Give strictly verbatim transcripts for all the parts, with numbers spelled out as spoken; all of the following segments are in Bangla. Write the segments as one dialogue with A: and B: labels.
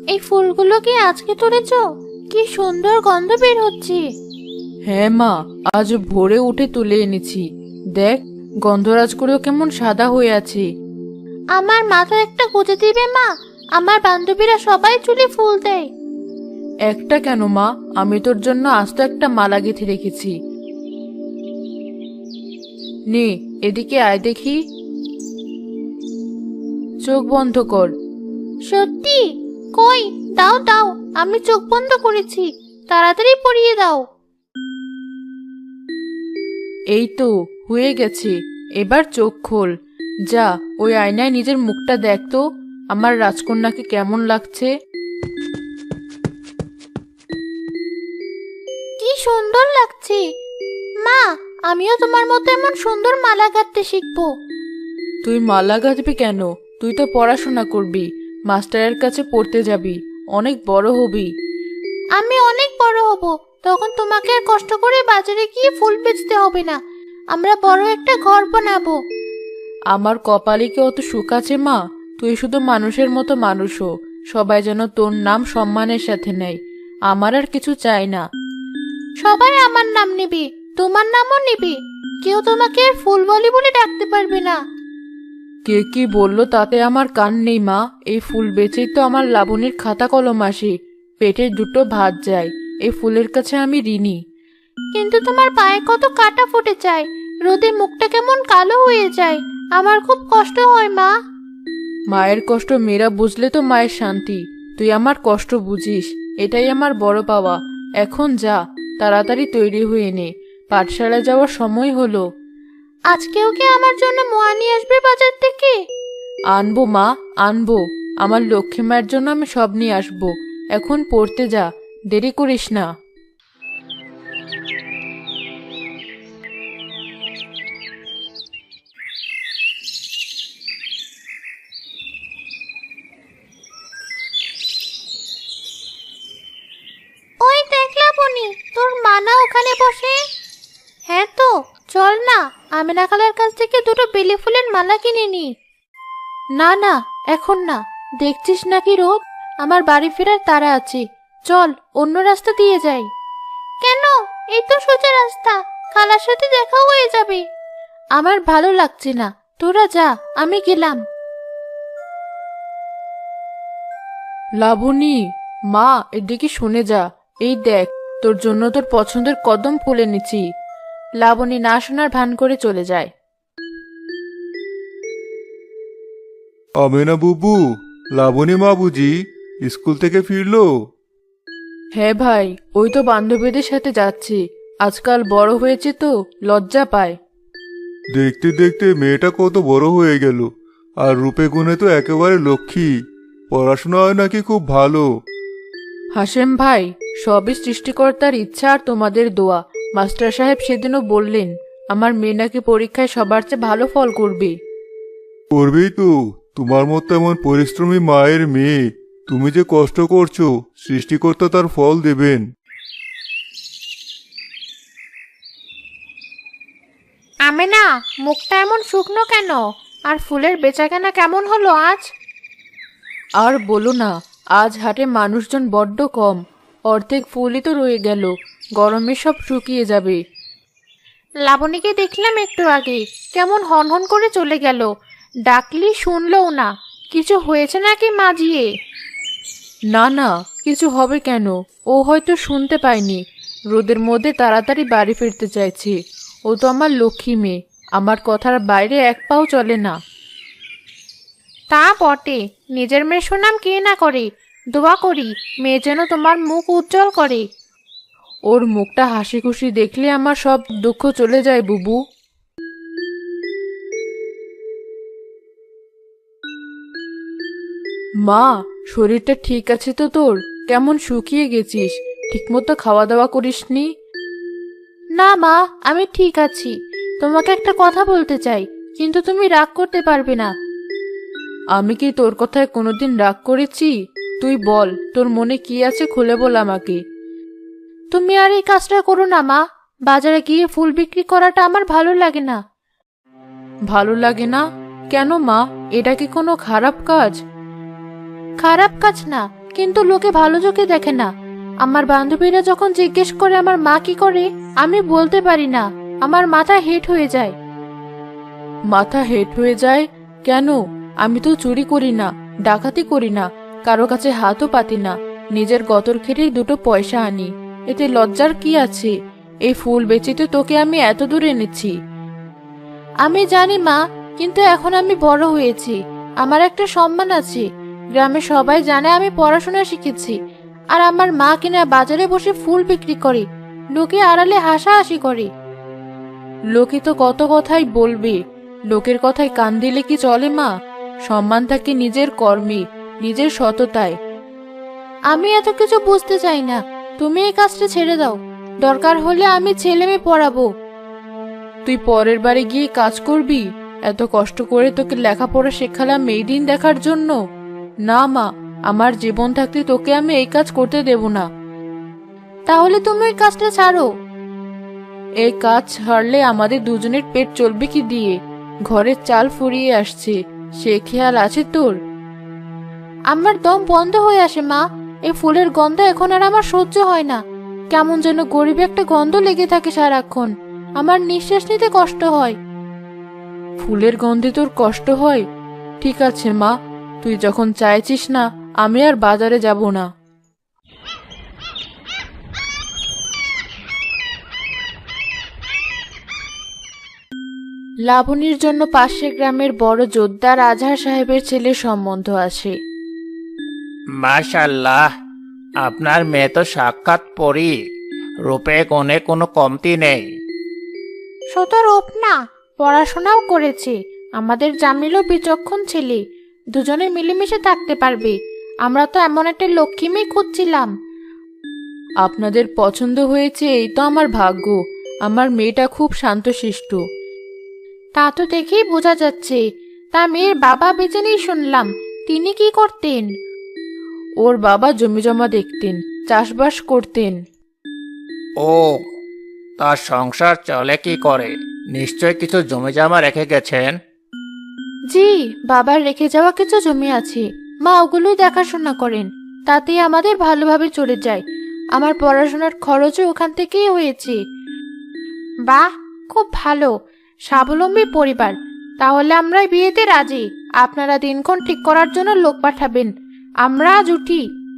A: এই ফুলগুলো কি আজকে তুলেছো? কি সুন্দর গন্ধ বের হচ্ছে।
B: হ্যাঁ মা, আজ ভোরে উঠে তুলে এনেছি। দেখ, গন্ধরাজগুলো কেমন সাদা হয়ে আছে।
A: আমার মাথায় একটা গুজে দিবে মা? আমার বান্ধবীরা সবাই চুলে ফুল দেয়।
B: একটা কেন মা, আমি তোর জন্য আস্ত একটা মালা গেঁথে রেখেছি। নে, এদিকে আয় দেখি। চোখ বন্ধ কর।
A: সত্যি? কই, দাও দাও, আমি চোখ বন্ধ করেছি, তাড়াতাড়ি পরিয়ে দাও।
B: এই তো হয়ে গেছে, এবার চোখ খোল। যা, ওই আয়নায় নিজের মুখটা দেখ তো, আমার রাজকন্যাকে কেমন লাগছে।
A: কি সুন্দর লাগছে। মা, আমিও তোমার মতো এমন সুন্দর মালা গাঁথতে শিখবো।
B: তুই মালা গাঁথবি কেন? তুই তো পড়াশোনা করবি, মাস্টারের কাছে পড়তে যাবি, অনেক বড় হবি।
A: আমি অনেক বড় হব, তখন তোমাকে আর কষ্ট করে বাজারে গিয়ে ফুল বেচতে হবে না। আমরা বড় একটা ঘর বানাবো।
B: আমার কপালে কি অত সুখ আছে মা? তুই শুধু মানুষের মতো মানুষ হ, সবাই যেন তোর নাম সম্মানের সাথে নেয়। আমার আর কিছু চাই না।
A: সবাই আমার নাম নেবে, তোমার নামও নেবে, কেউ তোমাকে আর ফুলবলি বলে ডাকতে পারবে না।
B: কে কি বললো তাতে আমার কান নেই মা। এই ফুল বেচেই তো আমার লাবণীর খাতা কলম আসে, পেটের দুটো ভাত যায়। এই ফুলের কাছে আমি ঋণী।
A: কিন্তু তোমার পায়ে কত কাটা ফুটে যায়, রোদে মুখটা কেমন কালো হয়ে যায়, আমার খুব কষ্ট হয় মা।
B: মায়ের কষ্ট মেয়েরা বুঝলে তো মায়ের শান্তি। তুই আমার কষ্ট বুঝিস, এটাই আমার বড় পাওয়া। এখন যা, তাড়াতাড়ি তৈরি হয়ে নে, পাঠশালায় যাওয়ার সময় হলো।
A: আজকেও কি আমার জন্য মোয়া নিয়ে আসবে বাজার থেকে?
B: আনবো মা, আনবো। আমার লক্ষ্মী মায়ের জন্য আমি সব নিয়ে আসবো। এখন পড়তে যা, দেরি করিস না।
A: ওই দেখলা বনি, তোর মা না ওখানে বসে? হ্যাঁ তো, চল না, আমিনা খালার কাছ থেকে দুটো বেলি ফুলের মালা কিনে নি।
B: না না, এখন না। দেখছিস নাকি রোদ? আমার বাড়ি ফেরার তাড়া আছে। চল, অন্য রাস্তা দিয়ে যাই।
A: কেন? এই তো সোজা রাস্তা, খালার সাথে দেখা হয়ে যাবে।
B: আমার ভালো লাগছে না, তোরা যা, আমি গেলাম। লাবণী, মা, এদিকে শুনে যা। এই দেখ, তোর জন্য তোর পছন্দের কদম ফুল এনেছি। লাবণী না শোনার ভান করে চলে যায়।
C: আমেনা বুবু, লাবণী মা বুঝি স্কুল থেকে ফিরলো?
B: হ্যাঁ ভাই, ওই তো বান্ধবীদের সাথে যাচ্ছি। আজকাল বড় হয়েছে তো, লজ্জা পায়।
C: দেখতে দেখতে মেয়েটা কত বড় হয়ে গেল, আর রূপে গুণে তো একেবারে লক্ষ্মী। পড়াশোনা হয় নাকি খুব ভালো?
B: হাসেম ভাই, সবই সৃষ্টিকর্তার ইচ্ছা আর তোমাদের দোয়া। মাস্টার সাহেব সেদিনও বললেন আমার মেয়ে নাকি পরীক্ষায় সবার চেয়ে ভালো ফল করবে।
C: করবেই তো, তোমার মতো এমন পরিশ্রমী মায়ের মেয়ে। তুমি যে কষ্ট করছো, সৃষ্টিকর্তা তার ফল দেবেন।
A: আমিনা, মুখটা এমন শুকনো কেন? আর ফুলের বেচাকেনা কেমন হলো আজ?
B: আর বলো না, আজ হাটে মানুষজন বড্ড কম। অর্ধেক ফুলই তো রয়ে গেল, গরমে সব শুকিয়ে যাবে।
A: লাবণীকে দেখলাম একটু আগে, কেমন হনহন করে চলে গেল, ডাকলি শুনলও না। কিছু হয়েছে নাকি মাজিয়ে?
B: না না, কিছু হবে কেন? ও হয়তো শুনতে পায়নি। রোদের মধ্যে তাড়াতাড়ি বাড়ি ফিরতে চাইছে। ও তো আমার লক্ষ্মী মেয়ে, আমার কথার বাইরে এক পাও চলে না।
A: তা বটে, নিজের মেয়ের সুনাম কে না করে। দোয়া করি মেয়ে যেন তোমার মুখ উজ্জ্বল করে।
B: ওর মুখটা হাসি খুশি দেখলে আমার সব দুঃখ চলে যায় বুবু। মা, শরীরটা ঠিক আছে তো তোর? কেমন শুকিয়ে গেছিস, ঠিকমতো খাওয়া দাওয়া করিসনি?
A: না মা, আমি ঠিক আছি। তোমাকে একটা কথা বলতে চাই, কিন্তু তুমি রাগ করতে পারবে না।
B: আমি কি তোর কথায় কোনোদিন রাগ করেছি? তুই বল, তোর মনে কি আছে খুলে বল আমাকে।
A: তুমি আর এই কাজটা করো না মা। বাজারে গিয়ে ফুল বিক্রি করাটা আমার ভালো লাগে না।
B: ভালো লাগে না? কেন মা, এটা কি কোনো খারাপ কাজ?
A: খারাপ কাজ না, কিন্তু লোকে ভালো চোখে দেখে না। আমার বান্ধবীরা যখন জিজ্ঞেস করে আমার মা কি করে, আমি বলতে পারি না, আমার মাথা হেট হয়ে যায়।
B: মাথা হেট হয়ে যায় কেন? আমি তো চুরি করি না, ডাকাতি করি না, কারো কাছে হাতও পাতি না, নিজের গতর খেটেই দুটো পয়সা আনি। এতে লজ্জার কি আছে? এই ফুল বেচে তো তোকে আমি এত দূর এনেছি।
A: আমি জানি মা, কিন্তু এখন আমি বড় হয়েছি, আমার একটা সম্মান আছে। গ্রামে সবাই জানে আমি পড়াশোনা শিখেছি, আর আমার মা কিনা বাজারে বসে ফুল বিক্রি করে, লোকে আড়ালে হাসাহাসি করে।
B: লোকে তো কত কথাই বলবে, লোকের কথায় কান দিলে কি চলে মা? সম্মান থাকে নিজের কর্মে, নিজের সততায়।
A: আমি এত কিছু বুঝতে চাই না, তুমি এই কাজটা ছেড়ে দাও। দরকার হলে আমি ছেলে মেয়ে পড়াবো।
B: তুই পরের বাড়ি গিয়ে কাজ করবি? এত কষ্ট করে তোকে লেখাপড়া শেখালাম এই দিন দেখার জন্য? না মা, আমার জীবন থাকতে তোকে আমি এই কাজ করতে দেব না।
A: তাহলে তুমি ওই কাজটা ছাড়ো।
B: এই কাজ ছাড়লে আমাদের দুজনের পেট চলবে কি দিয়ে? ঘরের চাল ফুরিয়ে আসছে, সে খেয়াল আছে তোর?
A: আমার দম বন্ধ হয়ে আসে মা, এই ফুলের গন্ধ এখন আর আমার সহ্য হয় না। কেমন যেন গরিব একটা গন্ধ লেগে থাকে সারাক্ষণ, আমার নিঃশ্বাস নিতে কষ্ট হয়।
B: ফুলের গন্ধে তোর কষ্ট হয়? ঠিক আছে মা, তুই যখন চাইছিস না, আমি আর বাজারে যাব না। লাবণীর জন্য পাশের গ্রামের বড় জোদ্দার আজহার সাহেবের ছেলের সম্বন্ধ আসে।
D: মাশাল্লাহ, আপনার মেয়ে তো সাক্ষাৎ পরী, রূপে গুণে কোনো কমতি নেই।
A: শুধু রূপ না, পড়াশোনাও করেছে। আমাদের জামিলও বিচক্ষণ ছেলে, দুজনে মিলেমিশে থাকতে পারবে। আমরা তো এমন একটা লক্ষ্মী মেয়ে খুঁজছিলাম।
B: আপনাদের পছন্দ হয়েছে, এই তো আমার ভাগ্য। আমার মেয়েটা খুব শান্তশিষ্ট।
A: তা তো দেখেই বোঝা যাচ্ছে। তা মেয়ের বাবা বেঁচে নেই শুনলাম, তিনি কি করতেন?
B: ওর বাবা জমি জমা দেখতেন, চাষবাস করতেন।
D: ও, তার সংসার চলে কি করে? নিশ্চয় কিছু জমি জমা রেখে গেছেন।
A: জি, বাবার রেখে যাওয়া কিছু জমি আছে, মা ওগুলোই দেখাশোনা করেন। তাতেই আমাদের ভালোভাবে চলে যায়। আমার পড়াশোনার খরচও ওখান থেকেই হয়েছে। বাহ, খুব ভালো, স্বাবলম্বী পরিবার। তাহলে আমরা বিয়েতে রাজি। আপনারা দিনক্ষণ ঠিক করার জন্য লোক পাঠাবেন, আমরা আজ উঠি।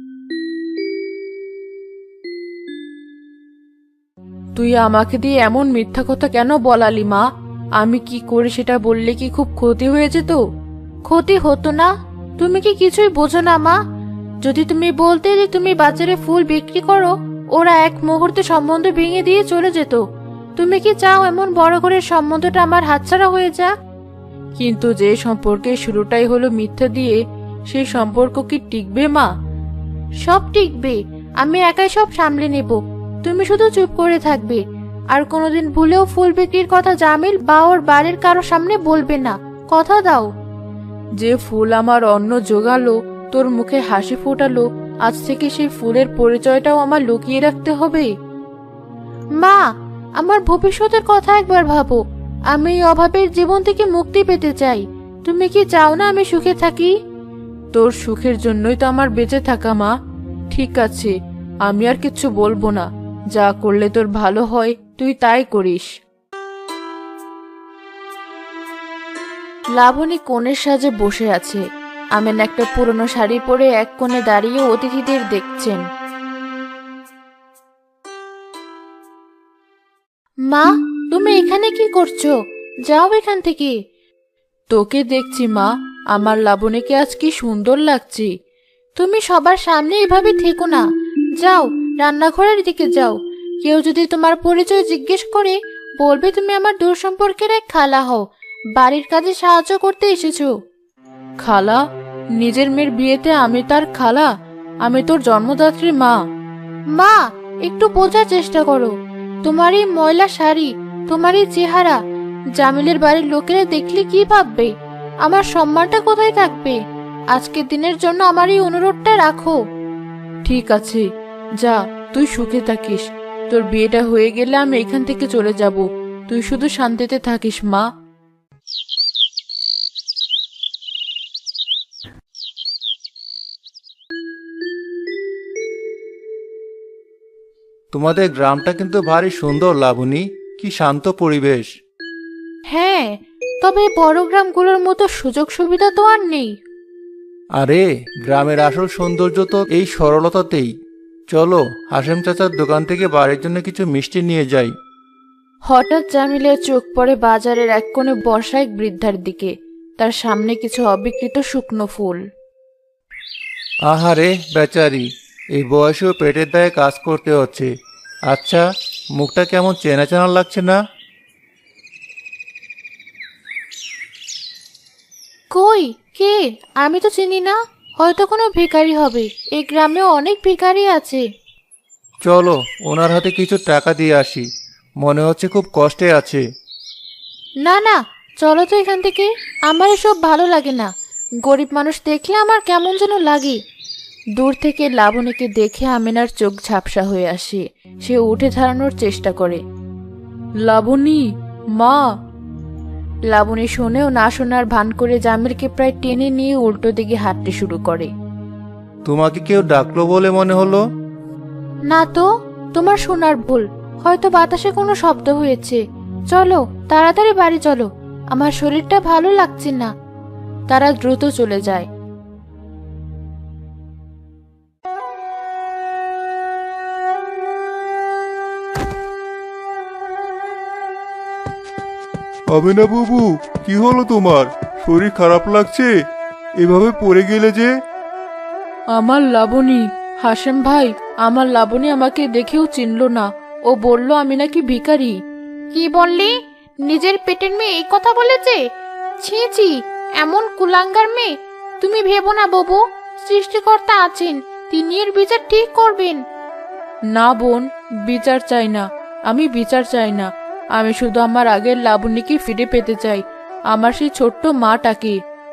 B: তুই আমাকে দিয়ে এমন মিথ্যা কথা কেন বলালি মা? আমি কি করে সেটা বললে কি খুব ক্ষতি হয়ে যেত?
A: ক্ষতি হতো না? তুমি কি কিছুই বোঝো না মা? যদি তুমি বলতে যে তুমি বাজারে ফুল বিক্রি করো, ওরা এক মুহূর্তে সম্বন্ধ ভেঙে দিয়ে চলে যেত। তুমি কি চাও এমন বড় করে সম্বন্ধটা আমার হাতছাড়া হয়ে যাক?
B: কিন্তু যে সম্পর্কের শুরুটাই হলো মিথ্যা দিয়ে, সেই সম্পর্ক কি টিকবে মা?
A: সব টিকবে, আমি একাই সব সামলে নেব। তুমি শুধু চুপ করে থাকবে, আর কোনোদিন ভুলেও ফুল বিক্রির কথা জামিল বা ওর বাড়ির কারো সামনে বলবে না, কথা দাও?
B: যে ফুল আমার অন্ন জোগালো, তোর মুখে হাসি ফোটালো, আজ থেকে সেই ফুলের পরিচয়টাও আমার লুকিয়ে রাখতে হবে?
A: মা, আমার ভবিষ্যতের কথা একবার ভাবো। আমি এই অভাবের জীবন থেকে মুক্তি পেতে চাই। তুমি কি চাও না আমি সুখে থাকি?
B: তোর সুখের জন্যই তো আমার বেঁচে থাকা মা। ঠিক আছে, আমি আর কিচ্ছু বলবো না। যা করলে তোর ভালো হয় তুই তাই করিস। লাবণী কোণের সাজে বসে আছে। আমেন একটা পুরনো শাড়ি পরে এক কোণে দাঁড়িয়ে অতিথিদের দেখছেন।
A: মা, তুমি এখানে কি করছো? যাও এখান থেকে।
B: তোকে দেখছি মা, আমার লাবণীকে আজ কি সুন্দর লাগছে।
A: তুমি সবার সামনে এভাবে থেকো না, যাও রান্নাঘরের দিকে যাও। কেউ যদি তোমার পরিচয় জিজ্ঞেস করে, বলবে তুমি আমার দূর সম্পর্কের এক খালা হও, বাড়ির কাজে সাহায্য করতে এসেছো।
B: খালা? নিজের মেয়ের বিয়েতে আমি তার খালা? আমি তোর জন্মদাত্রী মা।
A: মা, একটু বোঝার চেষ্টা করো। তোমার এই ময়লা শাড়ি, তোমার এই চেহারা, জামিলের বাড়ির লোকেরা দেখলে কি ভাববে? আমার সম্মানটা কোথায় থাকবে? আজকের দিনের জন্য আমার এই অনুরোধটা রাখো।
B: ঠিক আছে, যা, তুই সুখে থাকিস। তোর বিয়েটা হয়ে গেলে আমি এখান থেকে চলে যাব। তুই শুধু শান্তিতে থাকিস মা।
D: তোমাদের গ্রামটা কিন্তু ভারী সুন্দর লাবণী, কি শান্ত পরিবেশ।
A: হ্যাঁ, তবে বড় গ্রামগুলোর মতো সুযোগ সুবিধা তো আর নেই।
D: আরে গ্রামের আসল সৌন্দর্য তো এই সরলতাতেই। চলো হাসেম চাচার দোকান থেকে বাড়ির জন্য কিছু মিষ্টি নিয়ে যাই।
A: হঠাৎ জামিলের চোখ পড়ে বাজারের এক কোণে বর্ষা এক বৃদ্ধার দিকে। তার সামনে কিছু অবিকৃত শুকনো ফুল।
D: আহারে বেচারি, এই বয়সেও পেটের দায়ে কাজ করতে হচ্ছে। আচ্ছা, মুখটা কেমন চেনা চেনা লাগছে না?
A: কই, কে? আমি তো চিনি না। হয়তো কোনো ভিখারি হবে। এই গ্রামেও অনেক ভিখারি আছে।
D: চলো ওনার হাতে কিছু টাকা দিয়ে আসি, মনে হচ্ছে খুব কষ্টে আছে।
A: না না, চলো তো এখান থেকে। আমার এসব ভালো লাগে না। গরিব মানুষ দেখলে আমার কেমন যেন লাগে। দূর থেকে লাবণীকে দেখে আমিনার চোখ ঝাপসা হয়ে আসে। সে উঠে দাঁড়ানোর চেষ্টা করে।
B: লাবণী, মা।
A: লাবণী শুনেও না শোনার ভান করে জামিলকে প্রায় টেনে নিয়ে উল্টো দিকে হাঁটতে শুরু করে।
D: তোমাকে কেউ ডাকলো বলে মনে হলো।
A: না তো, তোমার শোনার ভুল। হয়তো বাতাসে কোনো শব্দ হয়েছে। চলো তাড়াতাড়ি বাড়ি চলো, আমার শরীরটা ভালো লাগছে না। তারা দ্রুত চলে যায়।
C: আমিনা বুবু, কি হলো তোমার? শরীর খারাপ লাগছে? এভাবে পড়ে গেলে যে?
B: আমার লাবণী, হাসেম ভাই, আমার লাবণী আমাকে দেখেও চিনলো না। ও বলল আমি নাকি ভিখারি।
A: কি বললি? নিজের পেটের মেয়ে এই কথা বলেছে? ছি ছি, এমন কুলাঙ্গার মেয়ে। তুমি ভেবো না বাবু, সৃষ্টিকর্তা আছেন, তিনি এর বিচার ঠিক করবেন।
B: না বোন, বিচার চাই না। আমি বিচার চাই না। আমি শুধু আমার আগের লাবণীকে ফিরে পেতে চাই, আমার সেই ছোট্ট মাটাকে।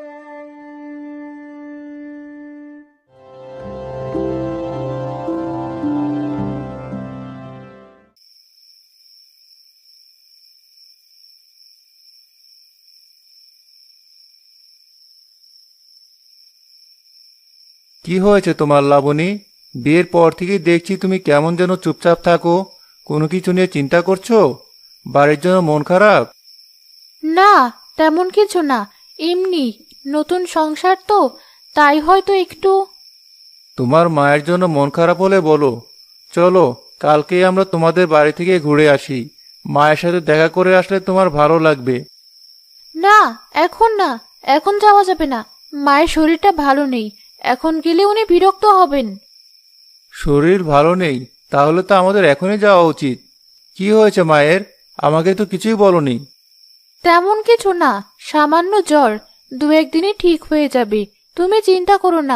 D: কি হয়েছে তোমার লাবণী? বিয়ের পর থেকেই দেখছি তুমি কেমন যেন চুপচাপ থাকো। কোনো কিছু নিয়ে চিন্তা করছো? বাড়ির জন্য মন খারাপ?
A: না, তেমন কিছু না। এমনি, নতুন সংসার তো, তাই হয়তো একটু।
D: তোমার মায়ের জন্য মন খারাপ হলে বলো। চলো কালকেই আমরা তোমাদের বাড়ি থেকে ঘুরে আসি। মায়ের সাথে দেখা করে আসলে তোমার ভালো লাগবে।
A: না, এখন না, এখন যাওয়া যাবে না। মায়ের শরীরটা ভালো নেই। এখন গেলে উনি বিরক্ত হবেন।
D: শরীর ভালো নেই? তাহলে তো আমাদের এখনই যাওয়া উচিত। কি হয়েছে মায়ের? আমাকে তো কিছুই বলনি।
A: তেমন কিছু না, সামান্য জ্বর। দু একদিনে ঠিক হয়ে যাবে, তুমি চিন্তা করো না।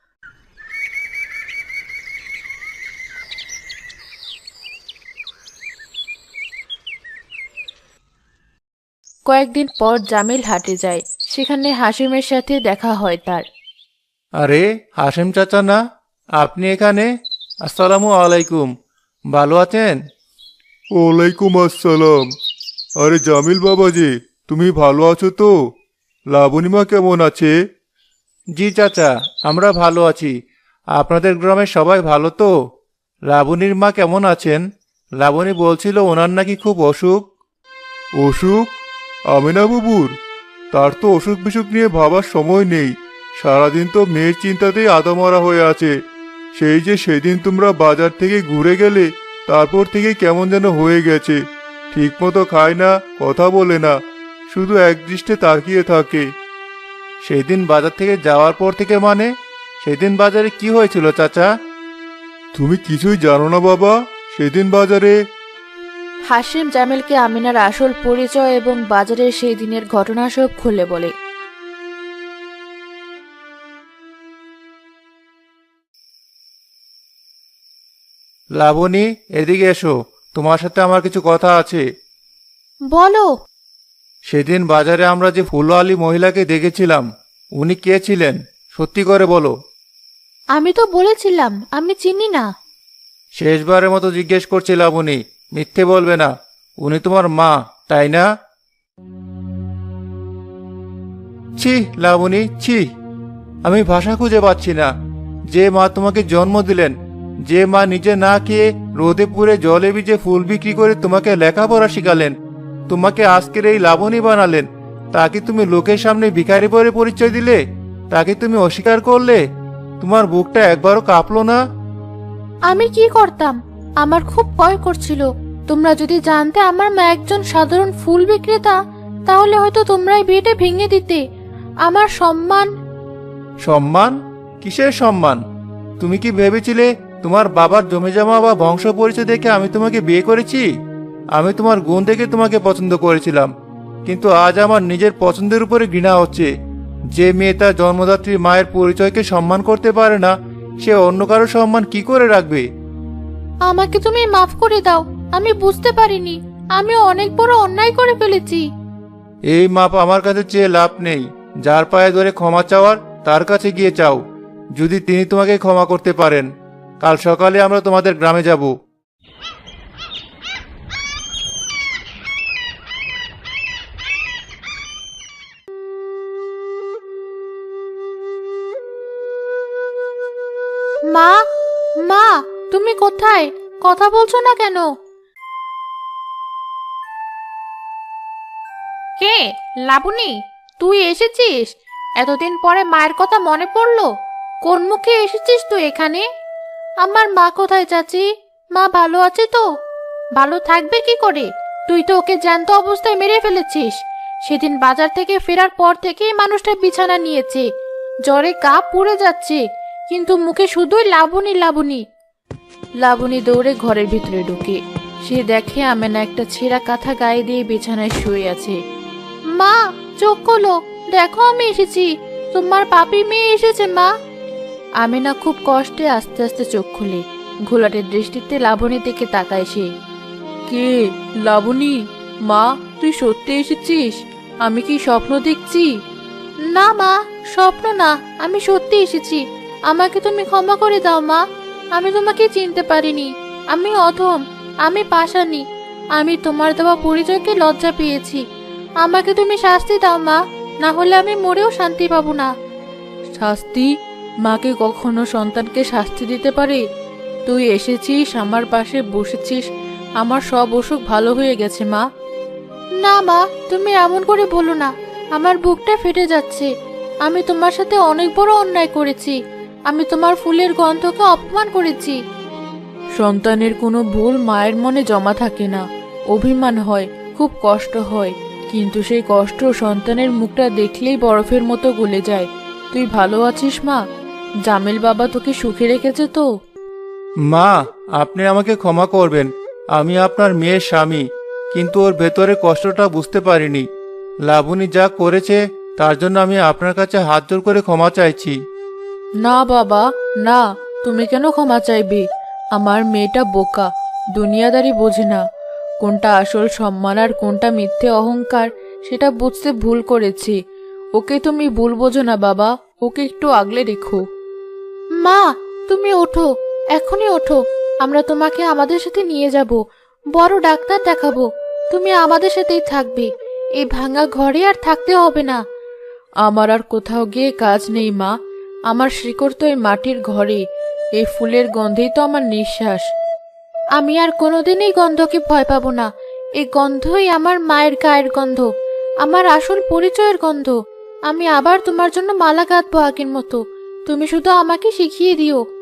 A: কয়েকদিন পর জামিল হাটে যায়। সেখানে হাসিমের সাথে দেখা হয় তার।
D: আরে হাসেম চাচা না, আপনি এখানে? আসসালামু আলাইকুম, ভালো আছেন?
C: ওয়ালাইকুম আসসালাম। আরে জামিল বাবা যে, তুমি ভালো আছো তো? লাবণীমা কেমন আছে?
D: জি চাচা, আমরা ভালো আছি। আপনাদের গ্রামের সবাই ভালো তো? লাবণীর মা কেমন আছেন? লাবণী বলছিল ওনার নাকি খুব অসুখ।
C: অসুখ? আমিনা বুবুর? তার তো অসুখ বিসুখ নিয়ে ভাবার সময় নেই। সারাদিন তো মেয়ের চিন্তাতেই আদামরা হয়ে আছে। সেই যে সেদিন তোমরা বাজার থেকে ঘুরে গেলে, তারপর থেকে কেমন যেন হয়ে গেছে। ঠিকমতো খায় না, কথা বলে না, শুধু একদৃষ্টে তাকিয়ে থাকে।
D: সেদিন বাজার থেকে যাওয়ার পর থেকে মানে? সেদিন বাজারে কি হয়েছিল চাচা?
C: তুমি কিছুই জানো না বাবা? সেদিন বাজারে
A: হাসিম জামিলকে আমিনার আসল পরিচয় এবং বাজারের সেই দিনের ঘটনা সব খুলে বলে।
D: লাবণী, এদিকে এসো, তোমার সাথে আমার কিছু কথা আছে।
A: বলো।
D: সেদিন বাজারে আমরা যে ফুলওয়ালি মহিলাকে দেখেছিলাম, উনি কে ছিলেন? সত্যি করে বলো।
A: আমি তো বলেছিলাম আমি চিনি না।
D: শেষবারের মতো জিজ্ঞেস করছি লাবণী, মিথ্যে বলবে না। উনি তোমার মা, তাই না? ছি লাবণী, ছি। আমি ভাষা খুঁজে পাচ্ছি না। যে মা তোমাকে জন্ম দিলেন, যে মা নিজে না খেয়ে রোদে পুড়ে জলে ভিজে ফুল বিক্রি করে তোমাকে লেখাপড়া শিখালেন, তোমাকে আজকের এই লাবণী বানালেন, তাকে তুমি লোকের সামনে ভিখারি বলে পরিচয় দিলে? তাকে তুমি অস্বীকার করলে? তোমার বুকটা একবারও কাঁপলো না?
A: আমি কি করতাম? আমার খুব ভয় করছিল। তোমরা যদি জানতে আমার মা একজন সাধারণ ফুল বিক্রেতা, তাহলে হয়তো তোমরা এই বিয়েটা ভেঙে দিতে। আমার সম্মান।
D: সম্মান? কিসের সম্মান? তুমি কি ভেবেছিলে তোমার বাবার জমিজমা বা বংশ পরিচয় দেখে আমি তোমাকে বিয়ে করেছি? আমি তোমার গুণ দেখে তোমাকে পছন্দ করেছিলাম, কিন্তু আজ আমার নিজের পছন্দের উপরে ঘৃণা হচ্ছে। যে মেয়ে তার জন্মদাত্রী মায়ের পরিচয়কে সম্মান করতে পারে না, সে অন্য কারো সম্মান কি করে রাখবে?
A: আমাকে তুমি মাফ করে দাও। আমি বুঝতে পারিনি। আমি অনেক বড় অন্যায় করে ফেলেছি।
D: এই মাপ আমার কাছে চেয়ে লাভ নেই। যার পায়ে ধরে ক্ষমা চাওয়ার, তার কাছে গিয়ে চাও, যদি তিনি তোমাকে ক্ষমা করতে পারেন। কাল সকালে আমরা তোমাদের গ্রামে যাব।
A: মা, মা, তুমি কোথায়? কথা বলছো না কেন? কে? লাবণী, তুই এসেছিস? এতদিন পরে মায়ের কথা মনে পড়লো। কোন মুখে এসেছিস তুই এখানে? আমার মা কোথায় চাচি? মা ভালো আছে তো? ভালো থাকবে কি করে? তুই তো ওকে জ্যান্ত অবস্থায় মেরে ফেলেছিস। সেদিন বাজার থেকে ফেরার পর থেকেই মানুষটা বিছানা নিয়েছে, জ্বরে গা পুড়ে যাচ্ছে, কিন্তু মুখে শুধুই লাবণী লাবণী।
B: লাবণী দৌড়ে ঘরের ভিতরে ঢুকে সে দেখে আমেনা একটা ছেঁড়া কাঁথা গায়ে দিয়ে বিছানায় শুয়ে আছে।
A: মা, চোখ খোলো, দেখো আমি এসেছি। তোমার পাপি মেয়ে এসেছে মা।
B: আমেনা খুব কষ্টে আস্তে আস্তে চোখ খুলে ঘোলাটের দৃষ্টিতে লাবণীর দিকে তাকায় সে। কে? লাবণী? মা, তুই সত্যি এসেছিস? আমি কি স্বপ্ন দেখছি?
A: না মা, স্বপ্ন না, আমি সত্যি এসেছি। আমাকে তুমি ক্ষমা করে দাও মা। আমি তোমাকে চিনতে পারিনি। আমি অধম, আমি পাষাণী। আমি তোমার দেওয়া পরিচয়কে লজ্জা পেয়েছি। আমাকে তুমি শাস্তি দাও মা, না হলে আমি মরেও শান্তি পাবো না।
B: শাস্তি? মাকে কখনো সন্তানকে শাস্তি দিতে পারে? তুই এসেছিস, আমার পাশে বসেছিস, আমার সব অসুখ ভালো হয়ে গেছে মা।
A: না মা, তুমি এমন করে বলো না। আমার বুকটা ফেটে যাচ্ছে। আমি তোমার সাথে অনেক বড় অন্যায় করেছি। আমি তোমার ফুলের গন্ধকে অপমান করেছি।
B: সন্তানের কোনো ভুল মায়ের মনে জমা থাকে না, অভিমান হয়, খুব কষ্ট হয়, কিন্তু সেই কষ্ট সন্তানের মুখটা দেখলেই বরফের মতো গলে যায়। তুই ভালো আছিস মা? জামিল বাবা তোকে সুখে রেখেছে তো?
D: মা, আপনি আমাকে ক্ষমা করবেন। আমি আপনার মেয়ের স্বামী, কিন্তু ওর ভেতরে কষ্টটা বুঝতে পারিনি। লাবণী যা করেছে তার জন্য আমি আপনার কাছে হাত জোর করে ক্ষমা চাইছি।
B: না বাবা, না, তুমি কেন ক্ষমা চাইবে? আমার মেয়েটা বোকা, দুনিয়াদারি বোঝে না। কোনটা আসল সম্মান আর কোনটা মিথ্যে অহংকার সেটা বুঝতে ভুল করেছি। ওকে তুমি ভুল বোঝো না বাবা, ওকে একটু আগলে রেখো।
A: মা, তুমি ওঠো, এখনই ওঠো। আমরা তোমাকে আমাদের সাথে নিয়ে যাব, বড় ডাক্তার দেখাবো। তুমি আমাদের সাথেই থাকবে। এই ভাঙা ঘরে আর থাকতে হবে না।
B: আমার আর কোথাও গিয়ে কাজ নেই মা। আমার শিকড় তো এই মাটির ঘরে, এই ফুলের গন্ধেই তো আমার নিঃশ্বাস।
A: আমি আর কোনোদিন এই গন্ধকে ভয় পাবো না। এই গন্ধই আমার মায়ের গায়ের গন্ধ, আমার আসল পরিচয়ের গন্ধ। আমি আবার তোমার জন্য মালা গাঁথবো আগের মতো। তুমি শুধু আমাকে শিখিয়ে দিও।